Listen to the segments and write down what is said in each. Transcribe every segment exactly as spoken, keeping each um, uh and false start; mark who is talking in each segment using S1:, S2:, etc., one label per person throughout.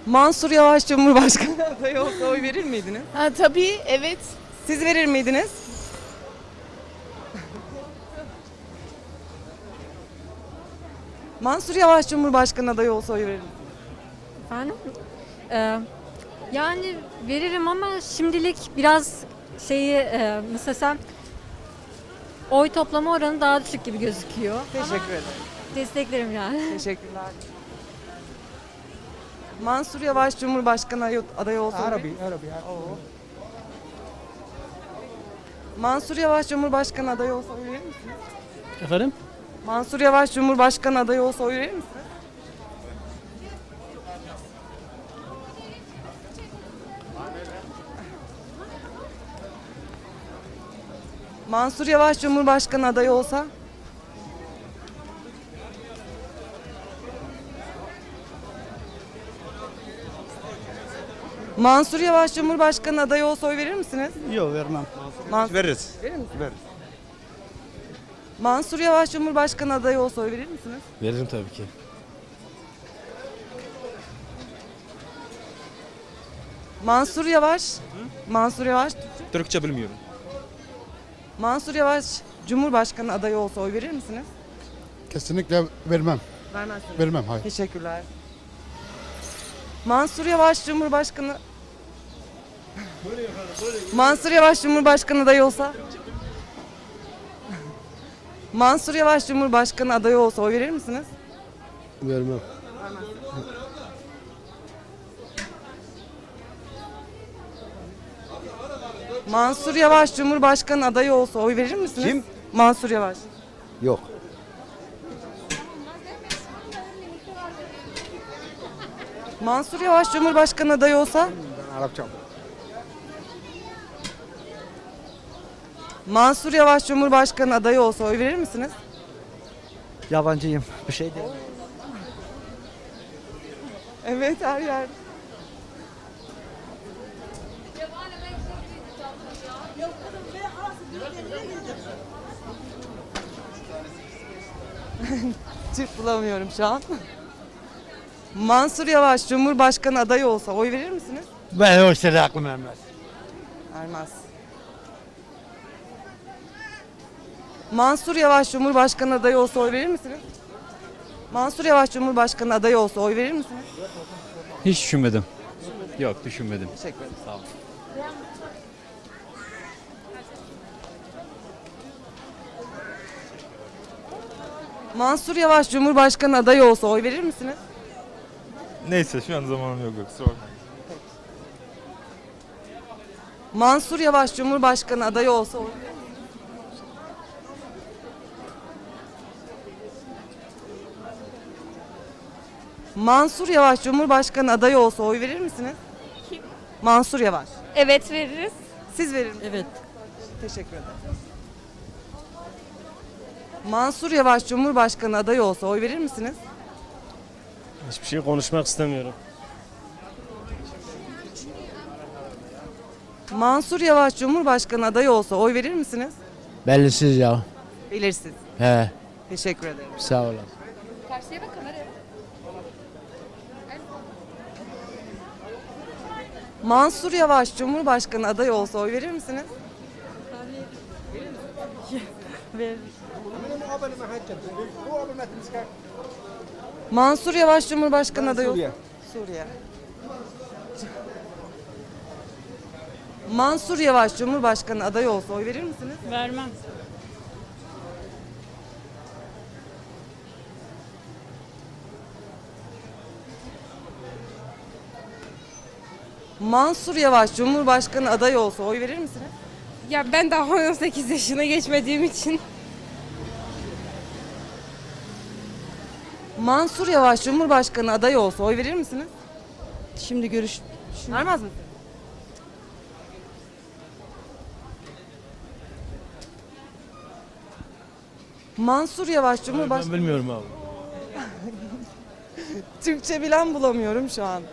S1: Mansur Yavaş Cumhurbaşkanı adayı olsa oy verir miydiniz?
S2: Ha, tabii, evet.
S1: Siz verir miydiniz? Mansur Yavaş Cumhurbaşkanı adayı olsa oy verir misiniz?
S3: Efendim? Ee, yani veririm ama şimdilik biraz şeyi e, mesela sen oy toplama oranı daha düşük gibi gözüküyor.
S1: Teşekkür
S3: Ama
S1: ederim.
S3: desteklerim yani.
S1: Teşekkürler. Mansur Yavaş Cumhurbaşkanı adayı- adayı olsa oy verir misiniz?
S4: عربي عربي
S1: Oo. Mansur Yavaş Cumhurbaşkanı adayı olsa oy verir misiniz?
S4: Efendim?
S1: Mansur Yavaş Cumhurbaşkanı adayı olsa oy verir misiniz? Mansur Yavaş Cumhurbaşkanı adayı olsa? Mansur Yavaş Cumhurbaşkanı adayı olsa oy verir misiniz?
S4: Yok vermem.
S1: Man-
S5: Veririz.
S1: Verir misiniz?
S5: Veririz.
S1: Mansur Yavaş Cumhurbaşkanı adayı olsa oy verir misiniz?
S5: Veririm tabii ki.
S1: Mansur Yavaş, Mansur Yavaş,
S5: Türkçe bilmiyorum.
S1: Mansur Yavaş Cumhurbaşkanı adayı olsa oy verir misiniz?
S6: Kesinlikle vermem.
S1: Vermezsiniz.
S6: Vermem hayır.
S1: Teşekkürler. Mansur Yavaş Cumhurbaşkanı Mansur Yavaş Cumhurbaşkanı adayı olsa Mansur Yavaş Cumhurbaşkanı adayı olsa oy verir misiniz?
S6: Vermem.
S1: Mansur Yavaş Cumhurbaşkanı adayı olsa oy verir misiniz?
S5: Kim?
S1: Mansur Yavaş.
S5: Yok.
S1: Mansur Yavaş Cumhurbaşkanı adayı olsa
S5: Arapça.
S1: Mansur Yavaş Cumhurbaşkanı adayı olsa oy verir misiniz?
S4: Yabancıyım. Bir şey değil.
S1: Evet, her yer. Türk bulamıyorum şu an. Mansur Yavaş Cumhurbaşkanı adayı olsa oy verir misiniz?
S4: Ben o şeyler aklım ermez.
S1: Vermez. Mansur Yavaş Cumhurbaşkanı adayı olsa oy verir misiniz? Mansur Yavaş Cumhurbaşkanı adayı olsa oy verir misiniz?
S7: Hiç düşünmedim. Yok düşünmedim.
S1: Teşekkür ederim.
S7: Sağ olun.
S1: Mansur Yavaş Cumhurbaşkanı adayı olsa oy verir misiniz?
S5: Neyse şu an zamanım yok. Kusura bakmayın.
S1: Mansur Yavaş Cumhurbaşkanı adayı olsa oy verir misiniz? Mansur Yavaş Cumhurbaşkanı adayı olsa oy verir misiniz?
S2: Kim?
S1: Mansur Yavaş.
S2: Evet, veririz.
S1: Siz verir misiniz?
S3: Evet.
S1: Teşekkür ederim. Mansur Yavaş Cumhurbaşkanı adayı olsa oy verir misiniz?
S8: Hiçbir şey konuşmak istemiyorum.
S1: Mansur Yavaş Cumhurbaşkanı adayı olsa oy verir misiniz?
S4: Bellisiz ya.
S1: Belirsiz.
S4: He.
S1: Teşekkür ederim.
S4: Sağ olun.
S2: Karşıya bak kameraya.
S1: Mansur Yavaş Cumhurbaşkanı adayı olsa oy verir misiniz?
S3: Ver.
S1: Mansur Yavaş Cumhurbaşkanı adayı olsa Suriye. Mansur Yavaş Cumhurbaşkanı adayı olsa oy verir misiniz?
S3: Vermem.
S1: Mansur Yavaş Cumhurbaşkanı adayı olsa oy verir misiniz?
S2: Ya ben daha on sekiz yaşına geçmediğim için.
S1: Mansur Yavaş Cumhurbaşkanı adayı olsa oy verir misiniz?
S3: Şimdi görüş.
S1: Vermez misiniz? Mansur Yavaş Cumhurbaşkanı...
S4: Ben bilmiyorum abi.
S1: Türkçe bilen bulamıyorum şu an.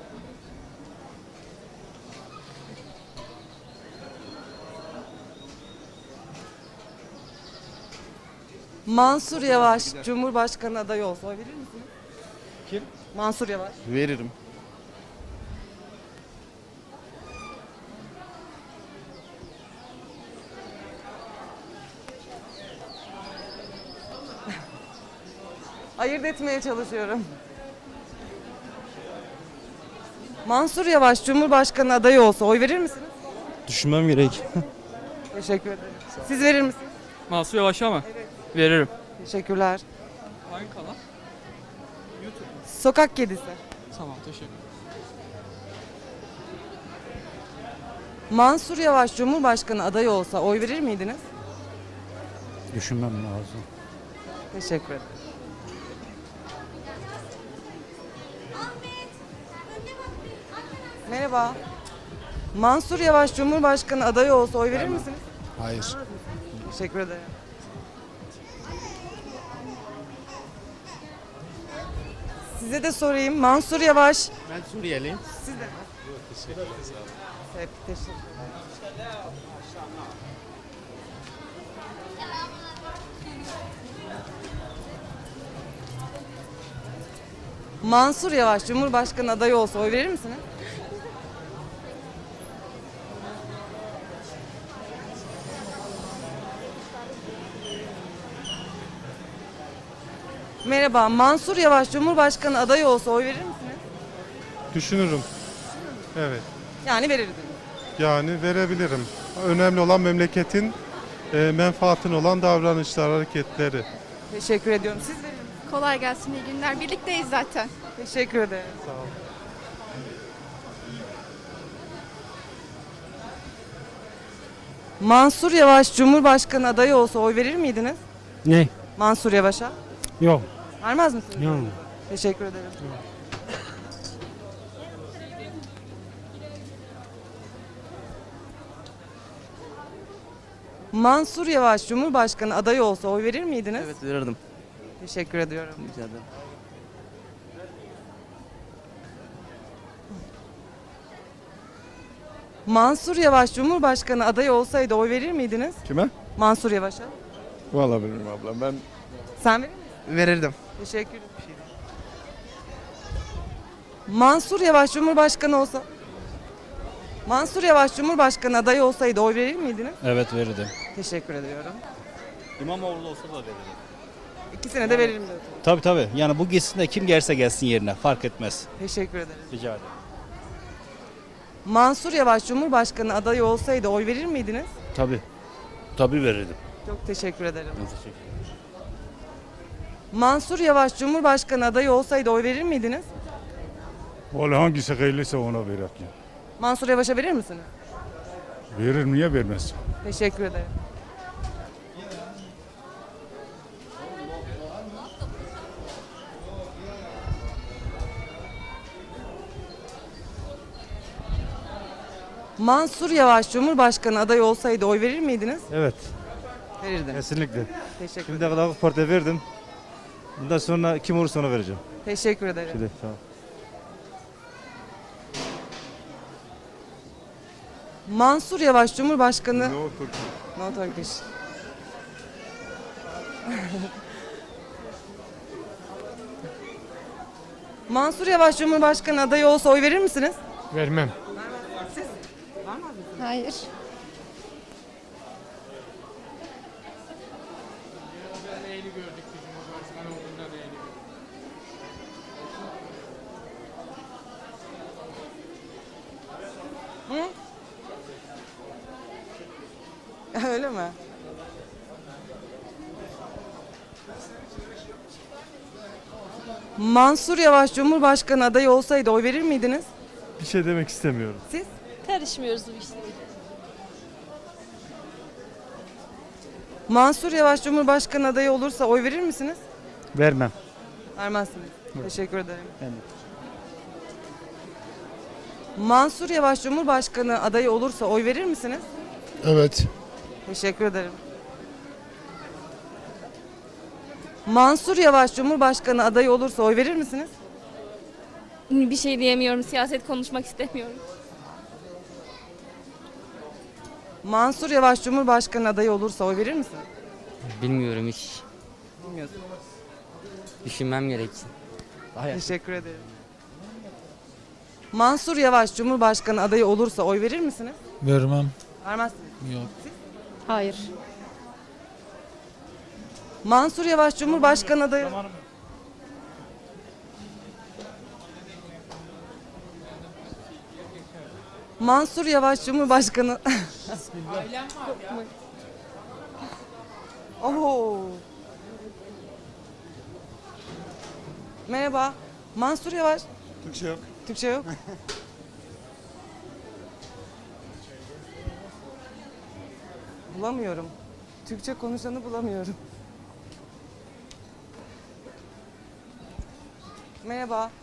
S1: Mansur Yavaş Cumhurbaşkanı adayı olsa oy verir misiniz?
S5: Kim?
S1: Mansur Yavaş.
S5: Veririm.
S1: Ayırt etmeye çalışıyorum. Mansur Yavaş Cumhurbaşkanı adayı olsa oy verir misiniz?
S8: Düşünmem gerek.
S1: Teşekkür ederim. Siz verir misiniz?
S9: Mansur Yavaş'a mı? Veririm.
S1: Teşekkürler.
S9: Hangi kanal?
S1: Sokak kedisi.
S9: Tamam, teşekkür.
S1: Mansur Yavaş Cumhurbaşkanı adayı olsa oy verir miydiniz?
S4: Düşünmem lazım.
S1: Teşekkür ederim. Merhaba. Mansur Yavaş Cumhurbaşkanı adayı olsa oy verir misiniz?
S6: Hayır.
S1: Teşekkür ederim. Size de sorayım. Mansur Yavaş.
S4: Ben Suriyeliyim.
S1: Siz de. Evet, teşekkür ederim. Mansur Yavaş Cumhurbaşkanı adayı olsa oy verir misiniz? Merhaba, Mansur Yavaş Cumhurbaşkanı adayı olsa oy verir misiniz?
S10: Düşünürüm. Evet.
S1: Yani verirdiniz.
S10: Yani verebilirim. Önemli olan memleketin e, menfaatin olan davranışlar, hareketleri.
S1: Teşekkür ediyorum. Siz verir misiniz?
S2: Kolay gelsin, iyi günler. Birlikteyiz zaten.
S1: Teşekkür ederim.
S10: Sağ olun.
S1: Mansur Yavaş Cumhurbaşkanı adayı olsa oy verir miydiniz?
S4: Ne?
S1: Mansur Yavaş'a.
S4: Yok.
S1: Vermez misiniz?
S4: Yok.
S1: Teşekkür ederim. Mansur Yavaş Cumhurbaşkanı adayı olsa oy verir miydiniz?
S9: Evet, verirdim.
S1: Teşekkür ediyorum.
S9: Rica ederim.
S1: Mansur Yavaş Cumhurbaşkanı adayı olsaydı oy verir miydiniz?
S5: Kime?
S1: Mansur Yavaş'a.
S5: Vallahi bilmiyorum ablam. Ben
S1: Sen verir misin?
S9: Verirdim.
S1: Teşekkür ederim. Mansur Yavaş Cumhurbaşkanı olsa Mansur Yavaş Cumhurbaşkanı adayı olsaydı oy verir miydiniz?
S7: Evet verirdim.
S1: Teşekkür ediyorum.
S7: İmamoğlu olsa da verirdim.
S1: İkisine de veririm diyorsun.
S7: Tabii tabii. Yani bu gitsin de kim gelirse gelsin yerine. Fark etmez.
S1: Teşekkür ederim.
S7: Rica ederim.
S1: Mansur Yavaş Cumhurbaşkanı adayı olsaydı oy verir miydiniz?
S7: Tabii. Tabii verirdim.
S1: Çok teşekkür ederim.
S7: Ben teşekkür ederim.
S1: Mansur Yavaş Cumhurbaşkanı adayı olsaydı oy verir miydiniz?
S10: Vallahi hangisi hayırlıysa ona verir.
S1: Mansur Yavaş'a verir misiniz?
S10: Verir, niye vermez?
S1: Teşekkür ederim. Mansur Yavaş Cumhurbaşkanı adayı olsaydı oy verir miydiniz?
S8: Evet,
S1: Verirdim.
S8: kesinlikle.
S1: Teşekkür
S8: Şimdiye
S1: ederim.
S8: kadar AK Parti'ye verdim. Bundan sonra kim olursa ona vereceğim.
S1: Teşekkür ederim.
S8: Şimdi, sağ ol.
S1: Mansur Yavaş Cumhurbaşkanı...
S10: No Turkey.
S1: No Turkish. Mansur Yavaş Cumhurbaşkanı adayı olsa oy verir misiniz?
S6: Vermem.
S1: Siz? Vermez misiniz?
S2: Hayır.
S1: Öyle mi? Mansur Yavaş Cumhurbaşkanı adayı olsaydı oy verir miydiniz?
S10: Bir şey demek istemiyorum.
S1: Siz?
S2: Karışmıyoruz bu işlere.
S1: Mansur Yavaş Cumhurbaşkanı adayı olursa oy verir misiniz?
S8: Vermem.
S1: Vermezsiniz. Teşekkür ederim.
S8: Ben de.
S1: Mansur Yavaş Cumhurbaşkanı adayı olursa oy verir misiniz?
S6: Evet.
S1: Teşekkür ederim. Mansur Yavaş Cumhurbaşkanı adayı olursa oy verir misiniz?
S2: Bir şey diyemiyorum. Siyaset konuşmak istemiyorum.
S1: Mansur Yavaş Cumhurbaşkanı adayı olursa oy verir misin?
S9: Bilmiyorum hiç.
S1: Bilmiyorsun.
S9: Düşünmem gerek.
S1: Teşekkür ederim. Mansur Yavaş Cumhurbaşkanı adayı olursa oy verir misiniz?
S4: Vermem.
S1: Vermezsiniz.
S4: Yok.
S2: Hayır.
S1: Mansur Yavaş Cumhurbaşkanı adayı... Mansur Yavaş Cumhurbaşkanı. Oho. Merhaba. Mansur Yavaş.
S10: Türkçe yok.
S1: Türkçe yok. Bulamıyorum. Türkçe konuşanı bulamıyorum. Merhaba.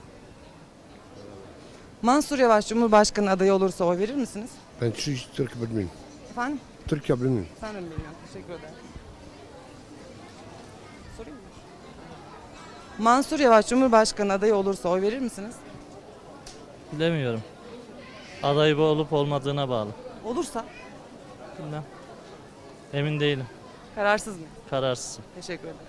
S1: Mansur Yavaş Cumhurbaşkanı adayı olursa oy verir misiniz?
S6: Ben Türk, Türk bilmiyorum.
S1: Efendim?
S6: Türkçe bilmiyorum.
S1: Sen de mi bilmiyorsun? Teşekkür ederim. Sorayım mı? Mansur Yavaş Cumhurbaşkanı adayı olursa oy verir misiniz?
S11: Bilemiyorum. Aday bu olup olmadığına bağlı.
S1: Olursa
S11: Bilmem. Emin değilim.
S1: kararsız mı?
S11: Kararsızım.
S1: Teşekkür ederim.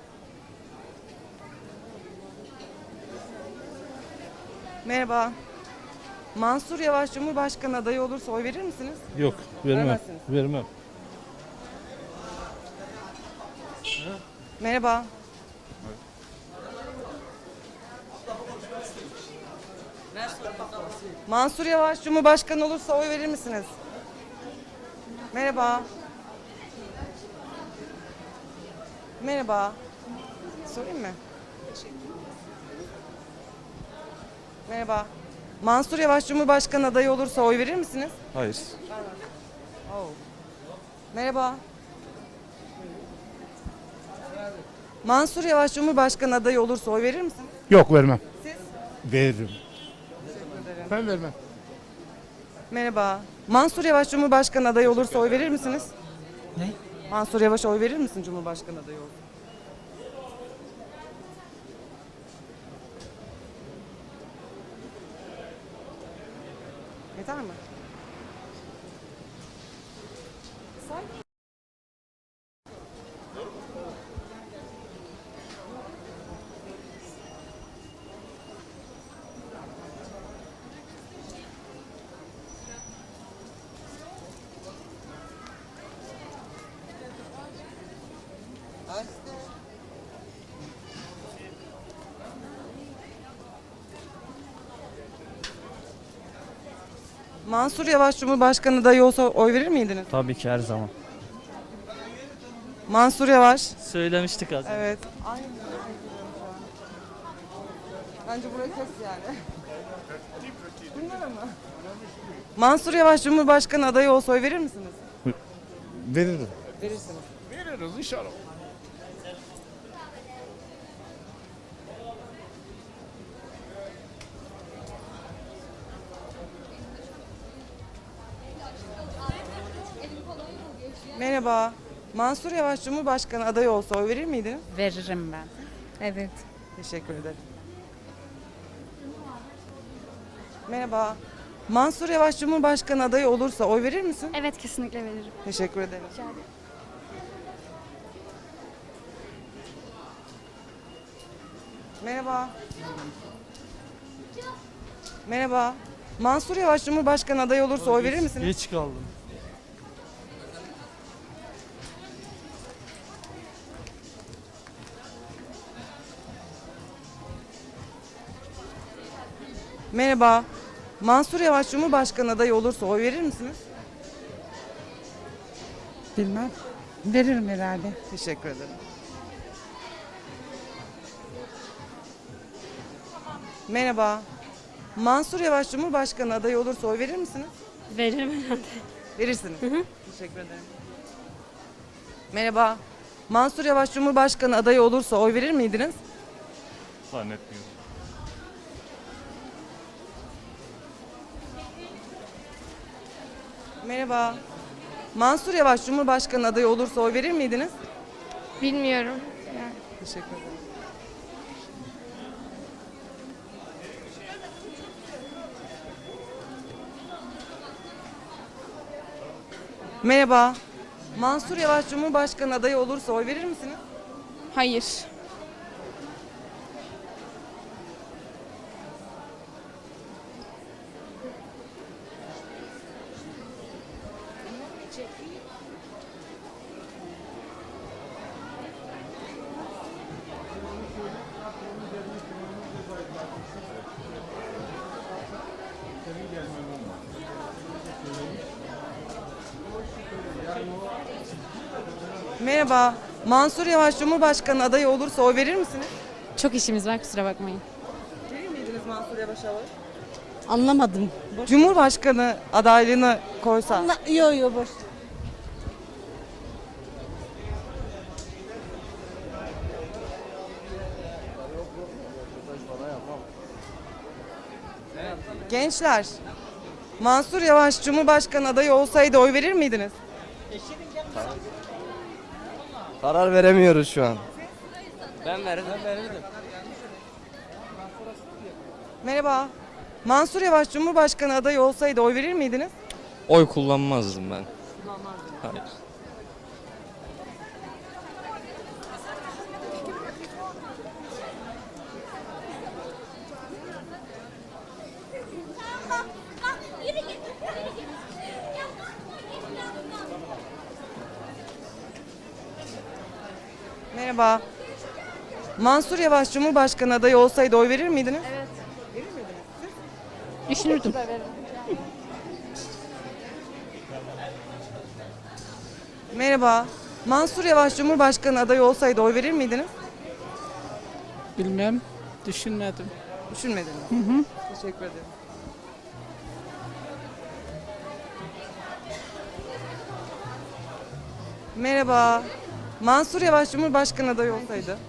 S1: Merhaba. Mansur Yavaş Cumhurbaşkanı adayı olursa oy verir misiniz?
S8: Yok, vermem.
S1: Vermezsiniz.
S8: Vermem.
S1: Merhaba. Mansur Yavaş Cumhurbaşkanı olursa oy verir misiniz? Merhaba. Merhaba. Sorayım mı? Merhaba. Mansur Yavaş Cumhurbaşkanı adayı olursa oy verir misiniz?
S5: Hayır.
S1: Oh. Merhaba. Mansur Yavaş Cumhurbaşkanı adayı olursa oy verir misiniz?
S6: Yok vermem.
S1: Siz?
S8: Veririm.
S6: Ben vermem.
S1: Merhaba. Mansur Yavaş Cumhurbaşkanı adayı olursa oy verir misiniz?
S9: Ne?
S1: Mansur Yavaş oy verir misin Cumhurbaşkanı adayı olursa? Yeter mi? Say. Mansur Yavaş Cumhurbaşkanı adayı olsa oy verir miydiniz?
S11: Tabii ki her zaman.
S1: Mansur Yavaş.
S11: Söylemiştik az önce.
S1: Evet. Aynı. Bence burayı kes yani. Bunlara mı? Mansur Yavaş Cumhurbaşkanı adayı olsa oy verir misiniz?
S8: Veririm.
S1: Verirsiniz.
S6: Veririz inşallah.
S1: Merhaba. Mansur Yavaş Cumhurbaşkanı adayı olsa oy verir miydiniz?
S2: Veririm ben. Evet.
S1: Teşekkür ederim. Merhaba. Mansur Yavaş Cumhurbaşkanı adayı olursa oy verir misin?
S3: Evet, kesinlikle veririm.
S1: Teşekkür ederim. Merhaba. Merhaba. Mansur Yavaş Cumhurbaşkanı adayı olursa oy verir misiniz?
S11: Geç kaldım.
S1: Merhaba. Mansur Yavaş Cumhurbaşkanı adayı olursa oy verir misiniz?
S2: Bilmem. Veririm herhalde.
S1: Teşekkür ederim. Merhaba. Mansur Yavaş Cumhurbaşkanı adayı olursa oy verir misiniz?
S3: Veririm herhalde.
S1: Verirsiniz. Teşekkür ederim. Merhaba. Mansur Yavaş Cumhurbaşkanı adayı olursa oy verir miydiniz?
S5: Zannetmiyorum.
S1: Merhaba. Mansur Yavaş Cumhurbaşkanı adayı olursa oy verir miydiniz?
S2: Bilmiyorum.
S1: Teşekkür ederim. Merhaba. Mansur Yavaş Cumhurbaşkanı adayı olursa oy verir misiniz?
S2: Hayır.
S1: Merhaba. Mansur Yavaş Cumhurbaşkanı adayı olursa oy verir misiniz?
S2: Çok işimiz var, kusura bakmayın.
S1: Verir miydiniz Mansur Yavaş'a oy?
S2: Anlamadım.
S1: Cumhurbaşkanı adaylığını koysa.
S2: Yo yo boş.
S1: Gençler, Mansur Yavaş Cumhurbaşkanı adayı olsaydı oy verir miydiniz?
S9: Karar veremiyoruz şu an. Ben verirdim. Ben verirdim.
S1: Merhaba. Mansur Yavaş Cumhurbaşkanı adayı olsaydı oy verir miydiniz?
S9: Oy kullanmazdım ben. Hayır.
S1: Merhaba. Mansur Yavaş Cumhurbaşkanı adayı olsaydı oy verir miydiniz?
S2: Düşünürdüm.
S1: Merhaba. Mansur Yavaş Cumhurbaşkanı adayı olsaydı oy verir miydiniz?
S11: Bilmem. Düşünmedim.
S1: Düşünmediniz. Hı hı. Teşekkür ederim. Merhaba. Mansur Yavaş Cumhurbaşkanı adayı olsaydı.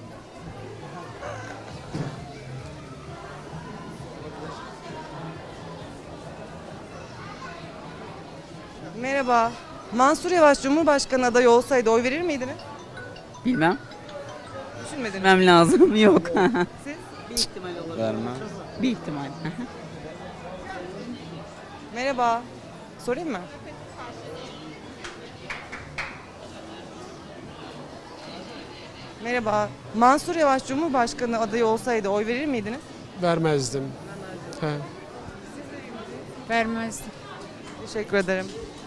S1: Merhaba. Mansur Yavaş Cumhurbaşkanı adayı olsaydı oy verir miydiniz?
S9: Bilmem.
S1: Düşünmediniz.
S9: Bilmem lazım. Yok.
S1: Siz?
S9: Bir ihtimal olur.
S7: Vermem.
S9: Bir ihtimal.
S1: Merhaba. Sorayım mı? Merhaba. Mansur Yavaş Cumhurbaşkanı adayı olsaydı oy verir miydiniz?
S6: Vermezdim. He.
S2: Vermezdim.
S1: Teşekkür ederim.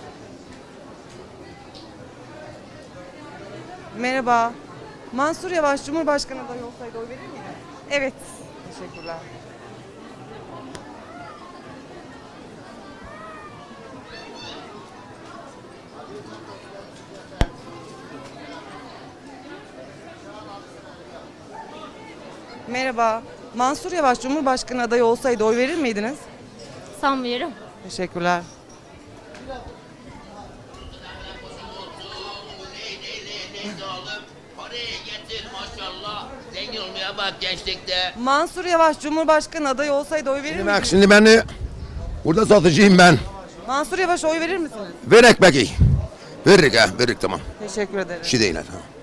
S1: Merhaba. Mansur Yavaş Cumhurbaşkanı adayı olsaydı oy verir miydiniz? Evet. Teşekkürler. Merhaba. Mansur Yavaş Cumhurbaşkanı adayı olsaydı oy verir miydiniz?
S2: Sanmıyorum.
S1: Teşekkürler.
S12: Zengin olmaya bak gençlikte.
S1: Mansur Yavaş Cumhurbaşkanı adayı olsaydı oy verir
S6: Bak
S1: miydiniz?
S6: şimdi ben de burada satıcıyım ben.
S1: Mansur Yavaş oy verir misiniz?
S6: Ver ekmeği. Veririk ha, veririk tamam.
S1: Teşekkür ederim.
S6: Bir şey değil ha. Tamam.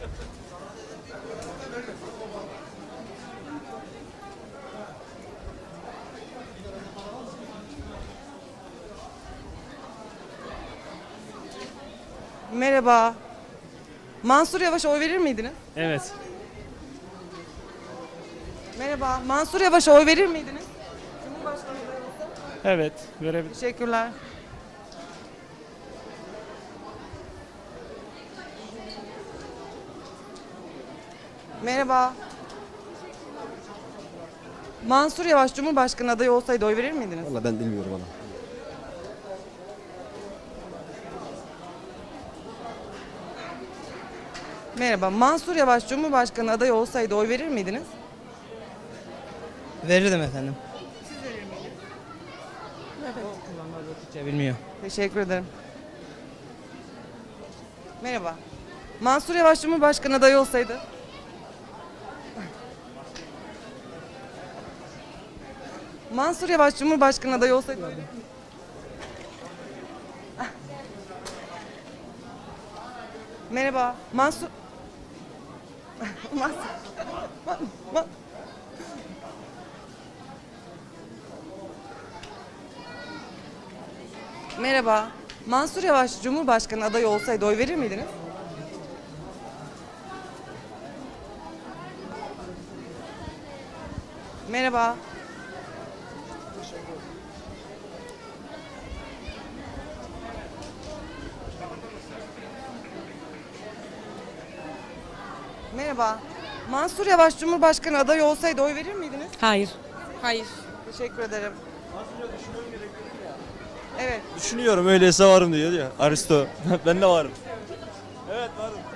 S1: Merhaba. Mansur Yavaş'a oy verir miydiniz?
S11: Evet.
S1: Merhaba. Mansur Yavaş'a oy verir miydiniz? Cumhurbaşkanı adayı olsa.
S11: Evet. Verebilirim.
S1: Teşekkürler. Merhaba. Mansur Yavaş Cumhurbaşkanı adayı olsaydı oy verir miydiniz?
S6: Valla ben bilmiyorum ona.
S1: Merhaba. Mansur Yavaş Cumhurbaşkanı adayı olsaydı oy verir miydiniz?
S9: Verirdim efendim. Bilmiyor.
S1: Teşekkür ederim. Merhaba. Mansur Yavaş Cumhurbaşkanı adayı olsaydı? Mansur Yavaş Cumhurbaşkanı adayı olsaydı? oy verir miydiniz? Merhaba. Mansur... Mansur... Ma- Ma- Merhaba. Mansur Yavaş Cumhurbaşkanı adayı olsaydı oy verir miydiniz? Merhaba. Merhaba. Mansur Yavaş Cumhurbaşkanı adayı olsaydı oy verir miydiniz?
S2: Hayır.
S1: Hayır. Teşekkür ederim. Evet.
S8: Düşünüyorum öyleyse varım diyor ya. Aristo. Ben de varım. Evet varım.